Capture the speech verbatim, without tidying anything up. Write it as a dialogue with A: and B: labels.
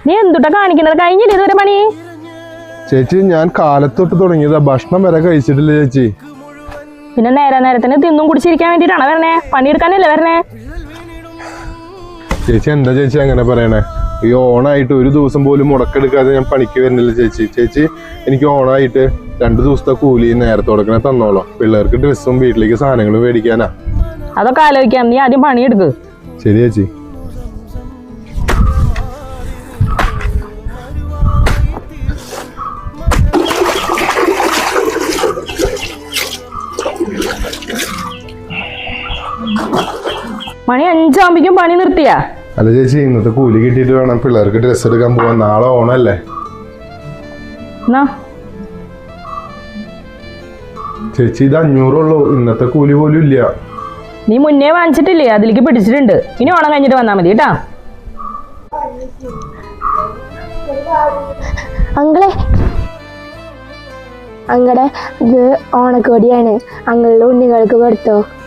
A: നീ എന്തുട്ടാ കാണിക്കുന്നത്? കഴിഞ്ഞില്ല ഇതുവരെ പണി?
B: ചേച്ചി ഞാൻ കാലത്തൊട്ട് തുടങ്ങിയതാ, ഭക്ഷണം വരെ കഴിച്ചിട്ടില്ല ചേച്ചി.
A: പിന്നെ നേരെ നേരത്തിന് തിന്നും കുടിച്ചിരിക്കാൻ വേണ്ടിട്ടാണ് വരണേ, പണിയെടുക്കാനല്ലേ വരണേ?
B: ചേച്ചി എന്താ ചേച്ചി അങ്ങനെ പറയണേ? ഈ ഓണായിട്ട് ഒരു ദിവസം പോലും മുടക്കെടുക്കാതെ ഞാൻ പണിക്ക് വരുന്നില്ല ചേച്ചി. ചേച്ചി എനിക്ക് ഓണായിട്ട് രണ്ടു ദിവസത്തെ കൂലി നേരത്തെ കൊടുക്കണേ തന്നോളോ. പിള്ളേർക്ക് ഡ്രസ്സും വീട്ടിലേക്ക് സാധനങ്ങളും മേടിക്കാനാ.
A: അതൊക്കെ ആലോചിക്കാം, നീ ആദ്യം പണിയെടുക്ക്.
B: ശരി ചേച്ചി.
A: മണി അഞ്ചാകുമ്പോഴേക്കും പണി നിർത്തിയാ?
B: അല്ല ചേച്ചി, ഇന്നത്തെ കൂലി കിട്ടിയിട്ട് വേണം പിള്ളേർക്ക് ഡ്രസ്സ് എടുക്കാൻ പോവാൻ. നാളെ ഓണല്ലേ. ചേച്ചി ഇത് അഞ്ഞൂറുള്ളൂ, ഇന്നത്തെ കൂലി പോലും ഇല്ല.
A: നീ മുന്നേ വാങ്ങിച്ചിട്ടില്ലേ, അതിലേക്ക് പിടിച്ചിട്ടുണ്ട്. ഇനി ഓണം കഴിഞ്ഞിട്ട് വന്നാ മതി കേട്ടാ.
C: അങ്ങളെ അങ്ങളെ ഇത് ഓണക്കോടിയാണ്, അങ്ങളുടെ ഉണ്ണികൾക്ക് കൊടുത്തോ.